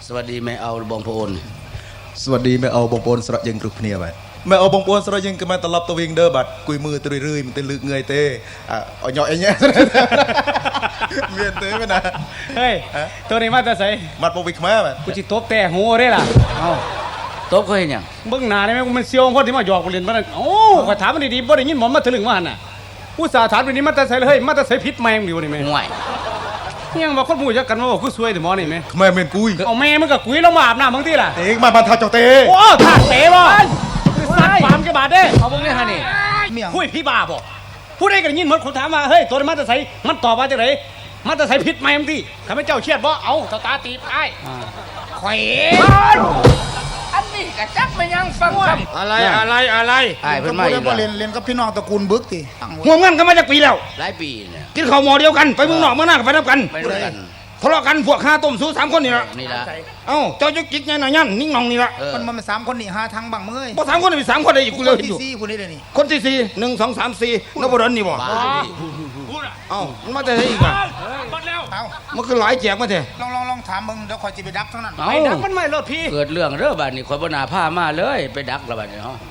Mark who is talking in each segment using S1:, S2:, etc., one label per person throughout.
S1: สวัสดีแม่เอาบองโพน
S2: สวัสดีแม่เอาบองโพนสระยังกรุบเนียบัดแม่เอาบองโพนสระยังก็มาตลบตัววิ่งเด้อบัดกุยมือตรื่อยๆมันเป็นลึกเงยเต้เอาหน่อยเงี้ยเมียนเต้ไปนะ
S3: เฮ้ยตัวนี้มาแต่ใส่
S2: มัดโปวิกมาบัด
S3: กูจิตบแต่หัวได้ล่ะเอา
S1: ตบเขาเห็นยัง
S3: เบื้องหน้าได้ไหมมันเซียวคนที่มาหยอกกูเรียนมาโอ้ก็ถามมันดีๆบ่ได้ยินหมอมาถึงว่าหันน่ะผู้สาถามตัวนี้มาแต่ใส่เลยมาแต่ใส่พิษแมงอยู่นี่ไหม
S1: ห่วย
S3: ยังว่าคนหมู่จักกันว่ากูซวยแต่หมอนี่ไหม
S2: แม่เมียนกุย
S3: เอาแม่มันกับกุยแล้วมาอาบน้ำบางทีล่ะ
S2: เองมาบันทาเจ้าเต้
S3: โอ้ถากเตะบ่สัตว์ฟาร์มกระบาดเด้
S1: เอาพวกนี้ฮะนี่
S3: คุยพี่บ้าบ่ผู้ใดกันยินหมดคนถามว่าเฮ้ยตัวนี้มาแต่ใส่มันตอบว่าจังไดมาแต่ใส่พิษแมงที่ข้าพเจ้าเชียดบ่เอาตาตีไอ้ข่อย
S1: อันนี้กระจักไม่ยังฟังคำ
S3: อะไร
S1: ไอ้เพื่อนมาอีกแล้ว
S4: เรียนกับพี่น้องตระกูลบึกที
S3: หัวเงินกันมาจากปีแล้ว
S1: หลายปีเนี่ย
S3: กินข้าวหม้อเดียวกันไปเมืองนอกเมืองหน้าไปนับกัน
S1: ไปด้วยกัน
S3: ทะเลาะกันพวกข้าต้มสู้3 คนนี่ละ
S1: นี่ละ
S3: เอ้าเจ้าจุกจิกไงหน่อยยันนิ่งนองนี่ละ
S4: มัน3 คนนี่หาทางบังเมื่อย
S3: บ่3 คนนี่3 คนได้อีกกูเลยอยู่
S4: 4 คนนี้เลยนี่
S3: คนที่4 1 2 3 4นบดลนี่บ่เอ้ามันมาแต่ไหนอีกอ่ะมันคือหลายแจกมาเถอะ
S4: ลองถามมึงเดี๋ยวคอยจะไปดักเท่านั้น
S3: ไปดักมันไม่รถพี่
S1: เกิดเรื่องเรื่องบ้านนี่คอยบนาผ้ามาเลยไปดักละบ้านนี่ฮะ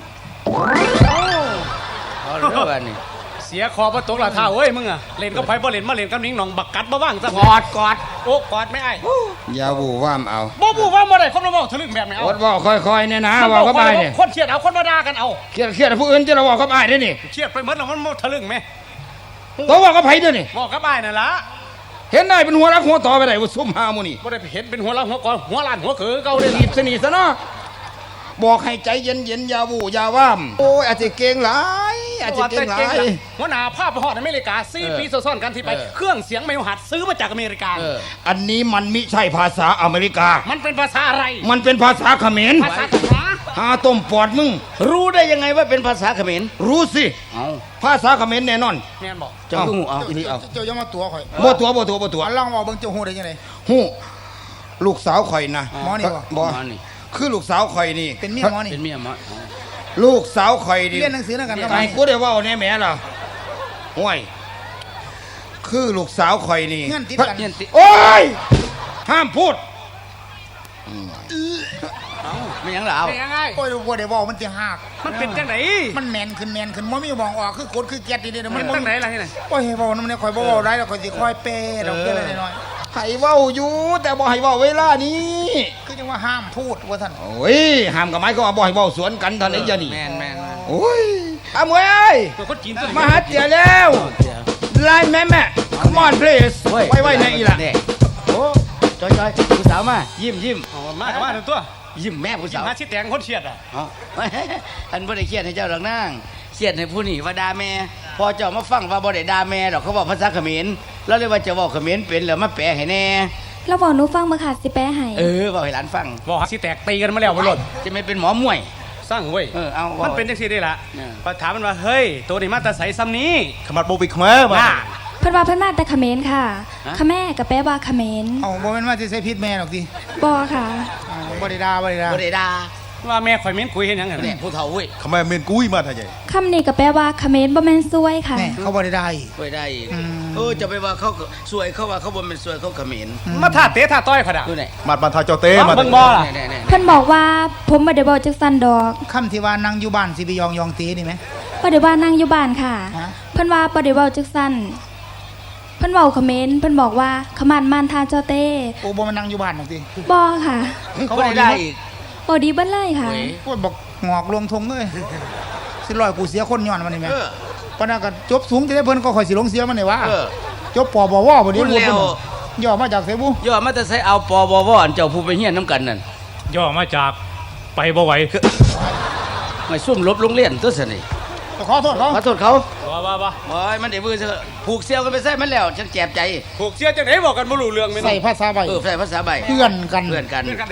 S1: เรื่องบ้านนี่
S3: เสียคอประตูละท่าเว้ยมึงอะเล่นก็ไปบ่เล่นมาเล่นกับนิ้งหนองบักกัดบ่ว่างซะกอดโอ้กอดไม่ไอ้
S5: ยาบูว่ามเอา
S3: บ่บูว่าบ่ได้คนมาบอกทะลึ่งแบบไหนเอา
S5: อดบอกค่อยๆเนี่ยนะว่าเขาไปเนี่ย
S3: คนเชียดเอาคนมาด่ากันเอา
S5: เครียดผู้อื่นจะเราบอกเขาไปได้นี่
S3: เชียดไปเหมือนเรามันทะลึ่งไหม
S5: ตัวบอกเขาไปด้วยนี่
S3: บอกกับไอ้นั่นละ
S5: เห็นได้เป็นหัวรักหัวต่อไปไหนว่าซุ่มหามูนี่
S3: บ่ได้เห็นเป็นหัวละหัวก่อนหัวล้านหัวเขือเก่าเลย
S5: รีบสนิทซะเนาะบอกให้ใจเย็นๆยาบูยาว่ามโอ้ยอาจจะเก่งหลายอาจจะเก่งหลาย
S3: หัวหน้าภาพไปฮอดอเมริกา4 ปีซ้อนกันที่ไปเครื่องเสียงไม่หัดซื้อมาจากอเมริกา
S5: อันนี้มันมิใช่ภาษาอเมริกา
S3: มันเป็นภาษาอะไร
S5: มันเป็นภาษาเขมร
S3: ภาษาเขมร
S5: หาต้มปอดมึง
S1: รู้ได้ยังไงว่าเป็นภาษาเขมร
S5: รู้สิภาษาเขมรแน่นอน
S3: แม่นบอก
S1: เจ้าหูเอาอีนี่เอา
S4: เจ้าอย่ามาตัวข่อย
S5: บ่ตัว
S4: ลองบอกเบิ่งเจ้าหูได้ยังไง
S5: หูลูกสาวข่อยนะ
S4: หมอนี่
S5: บ่คือลูกสาวข่อยนี่
S4: เป็นเมียหมอนี่
S1: เป็นเมียหมอ
S5: ลูกสาวข่อยนี่
S4: เรียนหนังสือนั่นกัน
S5: ไอ้กูได้ว่าแน่แม่ล่ะห่วยคือลูกสาวข่อยนี่
S4: เงื่อนติดกัน
S5: โอ้ยห้ามพูด
S1: ไม่ยังเหรอเอา
S4: โอ้ยบ่ได้บอกมันจะหัก
S3: มันเป็นจังไหน
S4: มันแมนขึ้นบ่มีมองออกคือกดคือแก๊สดีๆ
S3: มันจังไหนล่ะที่ไหน
S4: โอ้ยบอกนำเนี่ยข่อยบ่เว้าได้แล้วข่อยสิค่อยเปย์ดอกเบี้ยน้อย
S5: ให้เว้าอยู่แต่บ่ให้เว้าเวลานี้
S4: คือจังว่าห้ามพูดว่าท่าน
S5: โอ้ยห้ามกับไม้ก็บ่ให้เว้าสวนกันท่านไอ้เจ้านี่
S1: แม่น
S5: โอ้ยอามวยเอ้ยมาหาเตี๋ยแล้วไล่แม่ come on please ไว้ในอีล่ะ
S1: โอ้จอยผู้สาวมายิ้ม
S3: มาตัว
S1: ยิ้มแม่ผู้สาว
S3: หาชิดแตงคนเชียดอ่ะ
S1: อันบ่ได้เครียดให้เจ้าดอกนางเครียดให้ผู้นี่ว่าด่าแม่พอเจ้ามาฟังว่าบ่ได้ด่าแม่ดอกเขาบอกภาษาเขมรแล้วเลยว่าจะบอกเขมรเป็นแล้วมาแปลให้แน่
S6: เราบอกหนูฟังมาค่ะสิแปลให้
S1: บอกให้หลานฟัง
S3: บอกชิดแตกตีกันมาแล้วบ่หลด
S1: จะไม่เป็นหมอมวย
S3: สร้างเว้ย
S1: เอา
S3: มันเป็นจังซี่ได้ล่ะพอถามมันว่าเฮ้ยตัวนี้มาแต่ไสซ้ำนี้
S2: ขมัดโปวิกมา
S6: เพิ่นว่าเพิ่นมาแต่เขมรค่ะขแม่กับแปลว่าเขมร
S4: บ่แม่นว่าสิใส่พิษแม่หรอกติ
S6: บ่ค่ะ
S4: บ่ได้ด่า
S1: ว่า
S3: แม่ข่อยเม้นคุยเห็นยังไง
S1: เนี่ยผู้เฒ่าเว้ย
S2: ขมัดเมียนกุยมาท่าใหญ่
S6: คำนี้ก็แปลว่าเขมรบ่แม่นซวยค่ะ
S4: เขาบ่ได้ได้
S1: จะไปว่าเขาสวยเขาว่าเขาบ่เป็นสวยเขาเขมร
S3: มาท่าเตะท่าต้อยเขาด่า
S1: ดูไหน
S2: มัดบันทาเจ้าเต้
S3: มาเบิ่งบ่ล่ะ
S6: เพิ่นบอกว่าผมบ่ได้บอกจักซั่นดอก
S4: คำที่ว่านั่งอยู่บ้านสิไปยองตีนี่มั้ย
S6: บ่ได้ว่านั่งอยู่บ้านค่ะเพิ่นว่าบ่ได้เว้าจักซั่นเพิ่นเว้าเขมรเพิ่นบอกว่าขมันมานทาเจ้าเต้
S4: โอ้บ่มานั่งอยู่บ้านหรอกติ
S6: บ่ค่ะ
S1: เขาบ่ได้อีก
S6: บ่ดีเบิ่เลยค่ะ
S4: โอ้ยบอกงอกลงทงเลยสิร้อยกูเสียคนย้อนมันนี่แม่ปานนั้นก็จบสูงจะได้เพิ่นก็ค่อยสิลงเสียมันนี่ว่าจบปบวบ่ดีบ่ย่อมาจากไสบุ
S1: ย่อมาแต่ไสเอาปบวอันเจ้าผู้ไปเฮียนนำกันนั่น
S3: ย่อมาจากไปบ่ไหว
S1: ไม่ซุ่มลบโรงเรียนตัวซะนี่
S4: ขอโทษเขา
S3: ว่า
S1: โอ้ยมันได้มือซะผูกเสี่ยวกันไปใส่มันแล้วฉันแจ็บใจ
S3: ผูกเสี่ยวจังได๋บอกกันบ่รู้เรื่องแม่น
S4: ใส่ภาษาใบ
S1: ใส่ภาษาใบ
S4: เพื่อนกัน
S1: I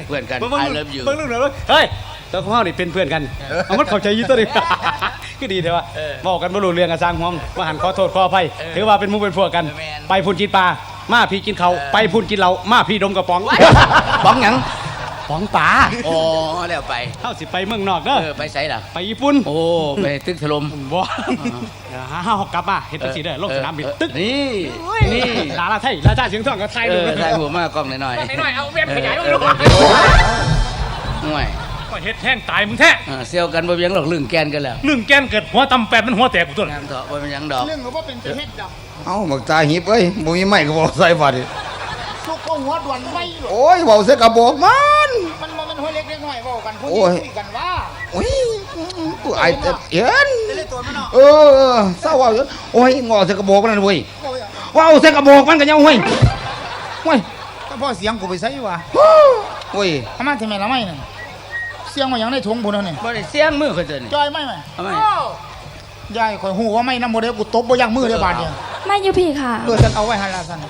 S1: love you
S3: เบิ่งเรื่องเฮ้ยตัวของเฮานี่เป็นเพื่อนกันเอามันเข้าใจอยู่ตัวนี้ก็ดีแท้ว่าบอกกันบ่รู้เรื่องก็สร้างห้องว่าหันขอโทษขออภัยถือว่าเป็นหมู่เป็นพวกกันไปพุ่นกินปลามาพี่กินเขาไปพุ่นกินเหล้ามาพี่ดมกระป๋อง
S1: ป๋องหยัง
S3: ป๋องป๋า
S1: อ๋อแล้วไป
S3: เฮาสิไปเมืองนอกเด้อ
S1: ไปไสล่ะ
S3: ไปญี่ปุ่น
S1: โอ้ไปตึกถล่ม
S3: บ่เฮากลับมาเฮ็ดจังซี่เด้อลงสนามบินตึก
S1: นี่นี่
S3: ลาลาไทยราชาเสียงทองก็ไทย
S1: เอ
S3: ดู
S1: อถ่ายหัวมากล้องหน่อย
S3: หน่อยเอาเว็บขยายไว้ดู
S1: ห่วย
S7: ก็เฮ็ดแห้งตายมึงแท้
S1: เซี่ยวกันบ่เบียงหรอกลึงแกนกันแล้ว
S7: เรื่องแกนเกิดหัวตำแปดมันหัวแตกกูตัว
S1: น้ำเถาะบ่เป็นหยังดอก
S4: เรื่องก็บ่เป็นจะเฮ็ดดอก
S5: เอ้าบักตาหิบเอ้ยบ่มีไม้ก็บ่ใส่บาดนี่
S4: ทุกคนหัวด่วนไม่หรอก
S5: โอ้ยเว้าใส่กระบอกมัน
S4: มันบ่แม่นหัวเล็กเล็กน้อยเว้ากันผู้
S5: โอ้
S4: นี้
S5: ย
S4: คุยกันว่า
S5: โอ้ยกูอายแต่เห็น
S4: ได้เลยตัวมันเนาะ
S5: เออเศร้าเว้าอยู่โอ้ยงอใส่กระบอกนั่นเว้ย
S4: โอ้ย
S5: เว้าใส่กระบอกมันก็ยังเว้ยเว้ย
S4: ก็พอเสียงกูไปใส่ว่ะ
S5: เว้ย
S4: ทำไมทำไมละไม่นั่นเสียงมาอย่างในถุงพุ่นนั่นนี่
S1: บ่ได้เสียงมือเขาเดิน
S4: จอยไม่ไหม
S1: ทำไม
S4: ยายข่อยฮู้ว่าไม่นำบ่ได้กูตบบ่ยักมือเด้อบาดเนี่ย
S6: ไม่อยู่พี่ค่ะ
S4: ฉันเอาไว้หั่นล่ะซั่น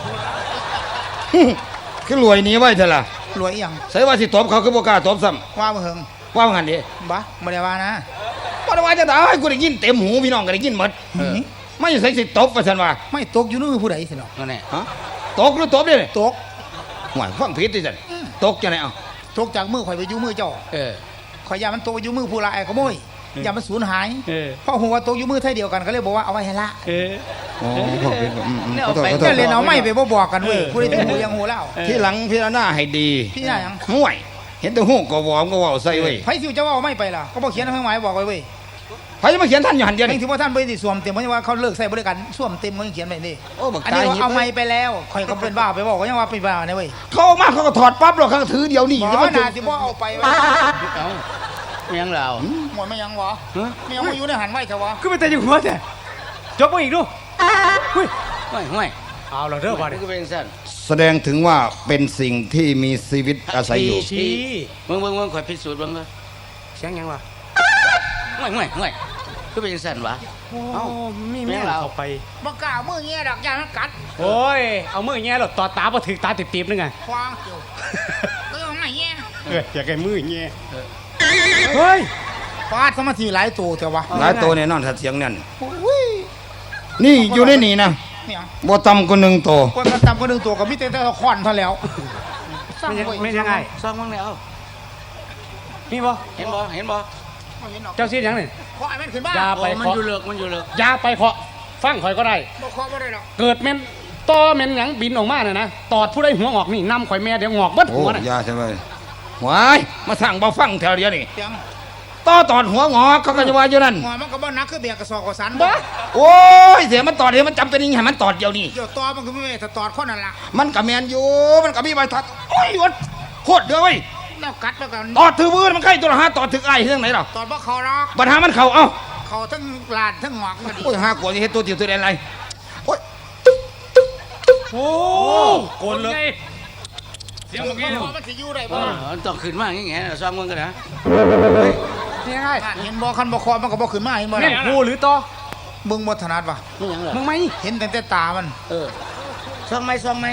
S5: คือรวยหนี้ไว้เถอะล่ะ
S4: รวยอีหยัง
S5: ใส่ว่าสิตบเขาคือบ่กล้าตบซ้ำ
S4: ว่าบ่เฮิง
S5: ว่างั้นดิ
S4: บ่บ่ได้ว่านะ
S5: บ่ได้ว่าจะได้กูได้ยินเต็มหูพี่น้องก็ได้ยินหมด
S4: นี่
S5: ไม่ใส่สิตบว่าซั่นว่า
S4: ไม่ตกอยู่ในมือผู้ใดสิเนาะ
S1: นั่นแหละ
S5: ฮะตกหรือตบเด้นี่
S4: ตก
S5: ห่วยฟังผิดดิซั่นตกจังได๋เอ้า
S4: ตกจากมือข่อยไปอยู่มือเจ้า
S1: เออ
S4: ข่อยยามันตกไปอยู่มือผู้ลายขโมยอย่ามันสูญหาย
S3: เออ
S4: เพราะหัวาตกอยู่มือไทยเดียวกันก็เลยบอกว่าเอาไว้ให้ละ
S3: เออ
S5: อ๋อฟังผิดขอโทษขอโท
S4: ก็
S5: ษ
S4: เลยเอาไม่ไปบ่บอกกันเว้ยผู้ใดถึงหูยังหูแล้ว
S5: ที่หลังพิจารณาให้ดี
S4: พี่น่าหยัง
S5: ห่วย เห็นแต่หูก็วอมก็เว้าใส่เว้ย
S4: ไผสิจะว่าเอาไม่ไปล่ะก็บ่เขียนให้หมายบอกไว้เว้ย
S5: ไผจะมาเขียนท่านอยู่หันเดียว
S4: เอง
S5: นี่
S4: ที่ว่าท่านบ่ได้สวมเต็มเพราะว่าเขาเลิกใส่บริการสวมเต็มเขายังเขียนไว้นี่
S5: โอ้บัก
S4: อัน
S5: ตา
S4: นี้
S5: หิบ
S4: เอาไม่ไปแล้วข่อยก็เป็นบ้าไปบอกก็ยังว่าเป็นบ้าเนี่ยเว้ย
S5: เขาออกมาเขาก็ถอดปั๊บหรอกเขาก็ถือเดียวนี่
S4: บ่
S5: จะมา
S4: น่าสิบ่เอาไปไว้
S1: เอ้าไม่หยังเรา
S4: หมดไม่ยังวะไม่ยังมาอยู่ในหันไว้เถอะวะ
S3: คือไปแต่อยู่หัวแต่จบบ่อีกดูหุ้ย
S1: ห่วย
S3: เอาละเด้อ
S1: ๆ
S3: บาด
S1: นี่
S3: นี้
S1: ก็เป็นสั้น
S5: แสดงถึงว่าเป็นสิ่งที่มีชีวิตอาศัยอยู่
S3: ชี้
S1: เบิ่งข่อยพิสูจน์เบิ่งเลย
S3: เสียงหยังวะ
S1: ห่วยก็เป็นสั้นวะ
S3: เอ้ามีแม่เข้าไป
S4: บ่กล้ามือเงี้ยดอกยามันกัด
S3: โอ้ยเอามือแง่หรอต่อตาบ่ถึกตาติบๆนึงไง
S4: ควางเกี่ยวก็ยังไม่เงี้ย
S3: อยากให้มือแง่เฮ้ย
S4: ฟาดสมาธิหลายตัวเถอะวะ
S5: หลายตัวแน่นอนถ้าเสียงนั่นนี่อยู่ในนี่นะ
S4: เนี่ย
S5: บ่ต่ำกว่า1ตัว
S4: คนกันตำก็ดึงตัวกับมิเตอร์ควันเท่าแล้ว
S3: ไม่ยังไง
S1: ซ่อมบ้างแล้ว
S3: มีบ่
S1: เห็นบ่
S4: ไม่เห็นหรอก
S3: เจ้าซีดหยังนี่
S4: ขอไอ้แม่นขึ้นบ้าน
S3: อย่า
S1: โอ้มันอยู่เลิกมันอยู่เลิก
S3: อย่าไปเคาะฟังข่อยก็ได้
S4: บ่ขอบ่ได้หรอก
S3: เกิดแม่นต่อแม่นหยังบินออกมาน่ะนะตอดผู้ใดหัวงอกนี่นำข่อยแม่เดี๋ยวงอกเบิด
S5: โอ้
S3: หัวน่ะ
S5: ยาใช่ไหมหวายมาสั่งบ่ฟังแถวเดียวนี่
S4: เสียง
S5: ต่อตอดหัวงอกเขาก็จะว่าอยู่นั่น
S4: หัวมันก็บ่นักคือเบียกระสอบกระสัน
S3: บ้า
S5: โอ้ยเสียมันตอดเดี๋ยวมันจำเป็นยังไงมันตอดเดียวนี่
S4: เดี๋ยวตอมันก็ไม่แม่ถ้าตอดคนนั่นล่ะ
S5: มันกับแมนอยู่มันกับมีใบทัดโอ้ยวัดโคตรเด้อเว้ย
S4: แล้วกัดแล้วกัน
S5: ตอดถือมือมันใกล้ตัวละห้าตอดถือไอ้เรื่องไหนหรอ
S4: ตอดบ่เขาหรอก
S5: ปัญหามันเข่าเอ้า
S4: เขาทั้งลานทั้งหงอกก็ดี
S5: โอ้ยห้ากว่าจะเฮ็ดตัวเดียวตัวแดนอะไรโอ้ย
S3: โอ้โกนเลย
S7: เสียงเมื่อกี้
S4: หัวมันสิอยู่ได้บ่
S1: ต้องขึ้นมาอย่างเงี้ยซ่อมเบิ่งกันนะ
S3: นี่ยังไง
S4: เห็นบ่คันบ่คอมันก็บ่ขึ้นมาเห็นบ่
S3: แม่
S4: ล่ะ
S3: งผู้หรือต่อ
S4: เบิ่งบ่ถนัดว่ะ
S1: นี่หยังเหรอ
S3: มึงไหม
S4: เห็นแต่ตามัน
S1: ซ่อมไหม
S3: ช่างไหม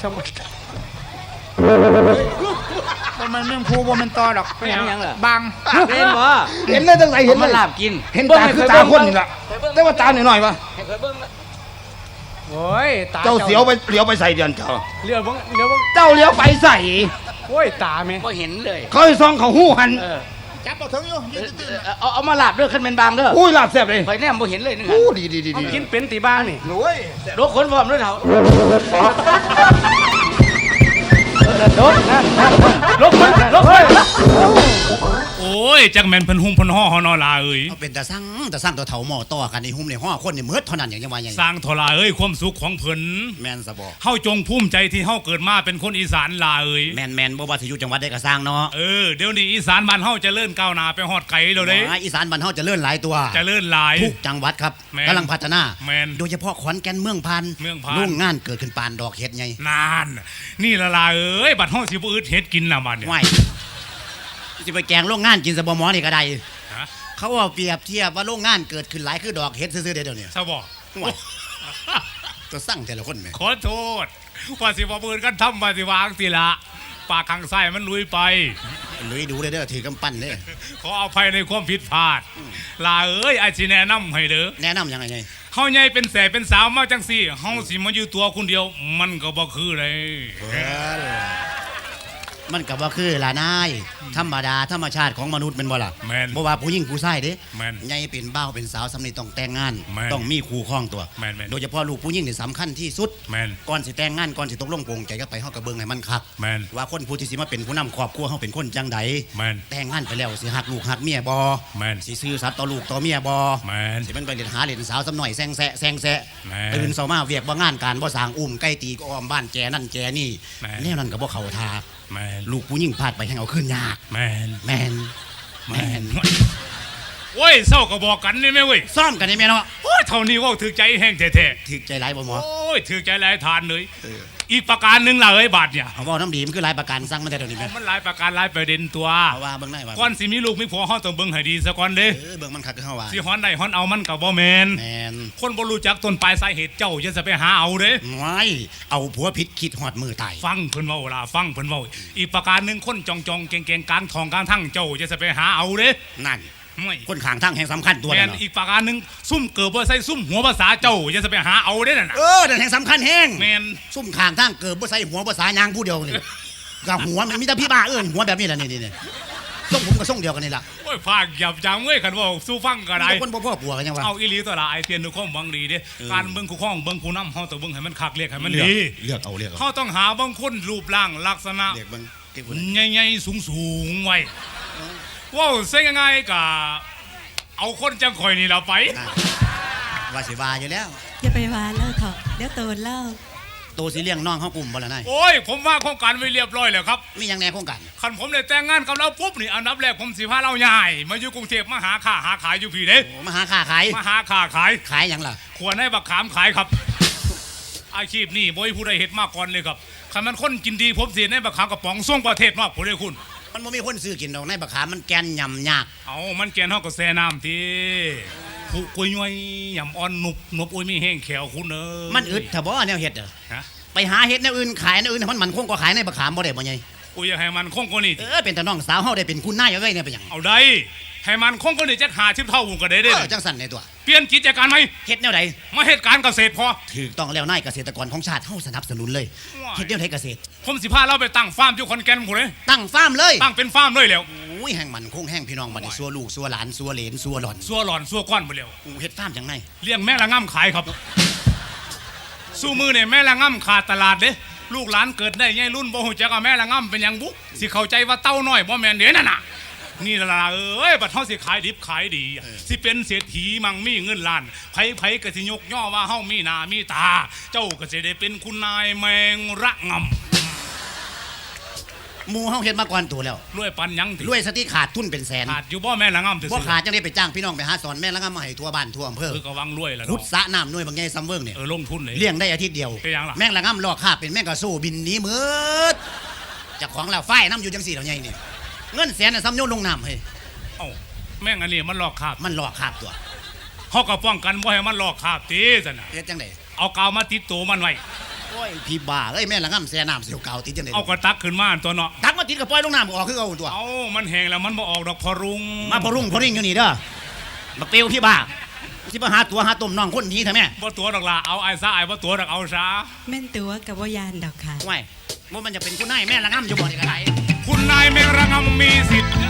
S4: บ่แม่นแม่งผู้บ่แม่นตอดอก
S1: ไม่หยังเหรอ
S4: บาง
S1: เห็นบ่
S5: เห็นเลยตั้งไหนเห็นเล
S1: มาย ลาบกิน
S5: เห็นตาคือตาคนนี่แหละแต่ว่าตาหน่อยๆวะ
S1: ให้เคยเบิ่ง
S3: โอ้ยตา
S5: เจ้าเสียวไปเลี้ยวไปใส่เดือนเจ้า
S3: เลี้ยวบัง
S5: เจ้าเลี้ยวไปใส่
S3: โอ้ยตาแม่
S1: บ่เห็นเลย
S5: เขาให้ซองเขาหู้หัน
S4: จับบ่ถึงอยู่ยืนตื่นๆน่ะ
S1: เอามาลาบเด้อขึ้นเป็นบางเด้อ
S5: อุ้ยลาบแซ่บเลย
S1: ข่อยแนมบ่เห็นเลยนึง
S5: อู้ดีดีดี
S3: เอา
S5: ดี
S3: กินเป็นตีบ้างนี่
S5: โอ้ย
S1: โดกคนพร้อมด้วยเถา
S3: ลบมันลบมัน
S7: โอ้ยจักแม่นเพิ่นหุ่มเพิ่นห่อฮอนอลาเอ้ย
S8: เอาเป็นแต่สร้างตัวเถาหม้อต่อกันในหุ้มในห้อคนในเมือดเท่านั้นอย่างยังว่าอย่าง
S7: สร้างทลาเอ้ยความสุขของเพิ่น
S8: แมนสะบอก
S7: เฮาจงภูมิใจที่เฮาเกิดมาเป็นคนอีสานลาเอ้ย
S8: แมนบ่ว่าสิอยู่จังหวัดใดก็สร้างเนาะ
S7: เดี๋ยวนี้อีสานบ้านเฮาเจะเลื่อนก้าวหน้าไปฮอดไกลแล้วเด้
S8: อีสานบ้านเฮาเจะเลื่อนหลายตัว
S7: เจะเลื่อนหลาย
S8: ทุกจังหวัดครับ
S7: แม่น
S8: กำลังพัฒนา
S7: แม่น
S8: โดยเฉพาะขอนแก่นเมืองพัน
S7: เมืองพาน
S8: โรงงานเกิดขึ้นปานดอกเห็ดไง
S7: นานนี่ละลาเอ้ยบัดเฮาสิบ่อึดเฮ็ดกินล่ะบัดเนี่ย
S8: ไหวสิไปแกงโรงงานกินสะบอหมอนี่ก็ได้
S7: ฮะ
S8: เขาว่าเปรียบเทียบว่าโรงงานเกิดขึ้นหลายคือดอกเห็ดซื่อๆเดี๋ยวนี้
S7: ซะบ่
S8: ไหวตัวสั่งแต่ละคนแหม่
S7: ขอโทษว่าสิบ่เบิ่นกันทำว่าสิวางสิละปากข้างซ้ายมันลุยไป
S8: ลุยดูเด้อถือกำปั้นเด้อ
S7: ขออภัยในความผิดพลาด ลาเอ้ยไอ้สิแนะนำให้เด้อ
S8: แนะนำยังไงไง
S7: เฮาใหญ่เป็นแสบเป็นสาวมาจังซี่เฮาสิมาอยู่ตัวคนเดียว มันก็บ่คือเลย
S8: มันก็บ่คือล่ะนายธรรมดาธรรมชาติของมนุษย์แม่นบ่ล่ะ
S7: แม่น
S8: บ่ว่าผู้หญิงผู้ชายเด้
S7: แม่น
S8: ใหญ่เป็นบ่าวเป็นสาวสำนี้ต้องแต่งงาน
S7: แม่น
S8: ต้องมีคู่ครองตัว
S7: แม่น
S8: โดยเฉพาะลูกผู้หญิงนี่สำคัญที่สุด
S7: แม่น
S8: ก่อนสิแต่งงานก่อนสิตกลงปลงใจก็ไปเฮาก็เบิ่งให้มันคัก
S7: แม่น
S8: ว่าคนผู้ที่สิมาเป็นผู้นำครอบครัวเฮาเป็นคนจังใด
S7: แม่น
S8: แต่งงานไปแล้วสิฮักลูกฮักเมียบ่
S7: แม่น
S8: สิซื่อสัตย์ต่อลูกต่อเมียบ่
S7: แม่น
S8: สิมันไปเล่นหาเล่นสาวสำหน่อยแซงแซะแซงแซะ
S7: แม่
S8: ตื่นเช้ามาเวียกบ่งานการบ่สร้างอุ้มไก่ตีก็อ้อมบ้านแกนั่นแกนี่
S7: แม่
S8: แนวนั้นก็บ่เข้าท่า
S7: แม่น
S8: ลูกผู้หญิงพลาดไปแห่งเอาขึ้นยาก
S7: แม่น
S8: แม่นแม่น
S7: โอ้ยเศร้าก็บอกกันนี่แม่เว้ย
S8: ซ่อมกันนี่แม่เนาะ
S7: โอ้ยเท่านี้เว่าถือใจแห้งแท้
S8: ถึกใจหลายบ่หมอ
S7: ๆโอ้ยถือใจหลายทานเลย อีกประการหนึ่งล่ะเอ้ยบาทเนี่ย
S8: เอาเว้าน้ำดีมันคือหลายประกันสั่งมาแต่เดี๋ยวนี้แม่
S7: มันหลายประการหลายประเด็นตัว
S8: เอาว่าเบิ่งได้ว่า
S7: ก่อนสิมีลูกมีผัวเฮาต้องเบิ่งให้ดีซะก่อนเด้
S8: เบิ่งมันคักคือเฮาว่า
S7: สิฮ้อนได้ฮ้อนเอามันก็บ่แม่น
S8: แม่น
S7: คนบ่รู้จักต้นปลายสาเหตุเจ้าอย่าจะไปหาเอาเด้
S8: ไว้เอาผัวผิดคิดฮอดมือตาย
S7: ฟังเพิ่นเว้าล่ะฟังเพิ่นเว้าอีกประการหนึงคนจองๆเก่งๆกลางทองกลางทั้งเจ้าอย่าจะไปหาเอาเด้
S8: นั่น
S7: ไม่
S8: คนข้างทางแห่งสำคัญตัว
S7: แม่
S8: นั่
S7: น
S8: นเนาะ
S7: อีกประการหนึงซุ่มเกิดบ่ใส่ซุ่มหัวภาษาเจ้าอย่าจะไปหาเอาเด้นั่นน่ะ
S8: นั่นแห่งสำคัญแห่ง
S7: แม่น
S8: ซุ่มข้างทางเกิดบ่ใส่หัวบ่สายางผู้เดียวนี่กับหัวมันมีแต่พี่บ้าหัวแบบนี้แหละนี่ส่งผมก็ส่งเดียวกันนี่ล่ะ
S7: โอ้ยภาคหยับจังเว้ยคันเว้าสู้ฟังก็ได้
S8: มีแต่คนบ่พ่อปัวกันยังวะ
S7: เอาอีหลีตัวละไอเตียนดูข้อมบังดีเด้การเบิ่งคู่ข้องเบิ่งคู่นำเฮาต้องเบิ่งให้มันคักเรียกให้มัน
S8: เลือก
S7: ดี
S8: เลือกเอาเลือกเอา
S7: เฮาต้องหาบางคนรูปร่างลักษณะ
S8: เลือกเบิ่งเก็บไว้
S7: ใหญ่ๆสูงๆไว้ว้าวเส้นยังไงกะเอาคนจังข่อยนี่เราไป
S8: ว่าสิว่าอยู่แล้ว
S9: อย่าไปวานเล่าเถอะเดี๋ยวโตนเล่า
S8: ตัวสิเลี้ยงน้องเฮากลุ่มบ่ล่ะนาย
S7: โอ้ยผมว่าโครงการไว้เรียบร้อยแล้วครับ
S8: มีหยังแหน่โครงการ
S7: คันผมได้แต่งงานกับเราปุ๊บนี่อันดับแรกผมสิพาเราใหญ่มาอยู่กรุงเทพมาหาค้าหาขายอยู่พี่เด้
S8: โอ้มาหาค้าขาย
S7: มาหาค้าขาย
S8: ขายหยังล่ะ
S7: ขวรให้บักขามขายครับ อาชีพนี่บ่มีผู้ใดเฮ็ดมาก่อนเลยครับคันมันคนกินดีผมสิให้บักขามกระป๋องส่งประเทศนอกผู้ใดคุณ
S8: มันบ่มีคนซื้อกินดอกในบักขามมันแกนยำยาก
S7: เอามันแกนเฮาก็แซ่น้ำทีผู้กุยย้อยยำอ่อนหนุบอุ้ยมีแห้งแขวคุณเอ้ย
S8: มันอึดถ้าบ่แนวเฮ็ดเด้อ
S7: ฮะ
S8: ไปหาเฮ็ดแนวอื่นขายแนวอื่นให้มันคงก็ขายในบักขามบ่ได้บ่ใหญ่
S7: กูอยากให้มันคงกว่านี้ติ
S8: เป็นแต่น้องสาวเฮาได้เป็นคุณนายเอาไว้เนี่ยเป็นหยัง
S7: เอาได้ให้มันคงกว่านี้จัก50เท่าก็ได้เด้
S8: จังสั่นในตัว
S7: เปลี่ยนกิจการไหม
S8: เฮ็ดแนวใด
S7: มาเฮ็ดการเกษตรพอ
S8: ถูกต้องแล้วนายเกษตรกรของชาติเฮาสนับสนุนเลย
S7: ว้าย
S8: เฮ็ดแนวใดเกษตร
S7: ผมสิพาเราไปตั้งฟาร์มอยู่ขอนแก่นพุ่นเลย
S8: ตั้งฟาร์มเลย
S7: ตั้งเป็นฟาร์มเลยแล้ว
S8: อุ้ยแห่งมันคงแห่งพี่น้องบัดนี้ซัวลูกซัวหลานซัวเหลนซัวหล่อน
S7: ซัวหลอนซัวก้อนบ่แล้ว
S8: อู้เฮ็ดฟาร์มจังไง
S7: เลี้ยงแม่ละง่ำขายครับสู้มือเนี่ยแม่ละง่ำขาดตลาดเด้ลูกหลานเกิดได้ใหญ่รุ่นบ่ฮู้จักว่าแม่ละง่ำเป็นหยังบุสิเข้าใจว่าเต้าน้อยบ่แม่นเด้นั่นน่ะนี่ล่ะเอ้ยบัดเฮาสิขายดิบขายดีสิเป็นเศรษฐีมั่งมีเงินล้านไผก็สิยกย่อว่าเฮามีหน้ามีตา เจ้าก็สิได้เป็นคุณนายแมงระง่ำ
S8: หมู่เฮาเฮ็ดมาก่อนตัวแล้ว
S7: รวยปันหยังติ
S8: รวยสติขาดทุนเป็นแสน
S7: ขาดอยู่บ่แม่ละง่ำซื่
S8: บ่
S7: อ
S8: ขาดจังได้ไปจ้างพี่น้องไปหาสอนแม่แล้วก็มาให้ทั่วบ้านทั่วอำเภอ
S7: คือก็วังรวยแล้ว
S8: ขุด
S7: เนาะ
S8: สระน้ำหน่วยบางใหญ่ซ้ำเวิ้งเนี่ย
S7: ลงทุนเลย
S8: เลี้ยงได้อาทิตย์เดียว
S7: เป็นหยังล่ะ
S8: แม่งละง่ำลอกคาบเป็นแม่งกระสู้บินหนีมืดจากของเราฝ้ายน้ำอยู่จังสี่เหล่าใหญ่นี่เงินแสนน่ะซ้ำโยนลงน้ำเฮ้ย
S7: เอ้าแม่งอันนี้มันหลอกคาบ
S8: มันลอกคาบตัว
S7: เฮาก็ป้องกันบ่ให้มันหลอกคาบติซั่นน่ะ
S8: เฮ็ดจังได
S7: เอากาวมาติดตัวมันไว้
S8: โอ้ยพี่บ้าเอ้ยแม่งละง่ำแสน้ำเสียวเก่าติดจังได
S7: เอากระตักขึ้นมาตัวเนาะ
S8: ตักมาติดกับปล่อยลงน้ำก็ออกคือเอาตัว
S7: เอามันแห้งแล้วมันบ่ออกดอกพอรุง
S8: มาพอรุ่งอยู่นี่เด้อบักเปียวพี่บ้าสิมาหาตัวหาต้มน้องคนหนี้ทำไม
S7: บ่ตัวดอกล่ะเอาไอ้ซะไอ้บ่ตัวดอกเอาซะ
S9: แม่นตัวกับว่ายานดอกค่ะ
S8: ไม่ว่ามันจะเป็นคุณนายแม่ละง่ำอยู่บ่นี่ก็ได้
S7: คุณนายแมงระงำมีสิทธิ์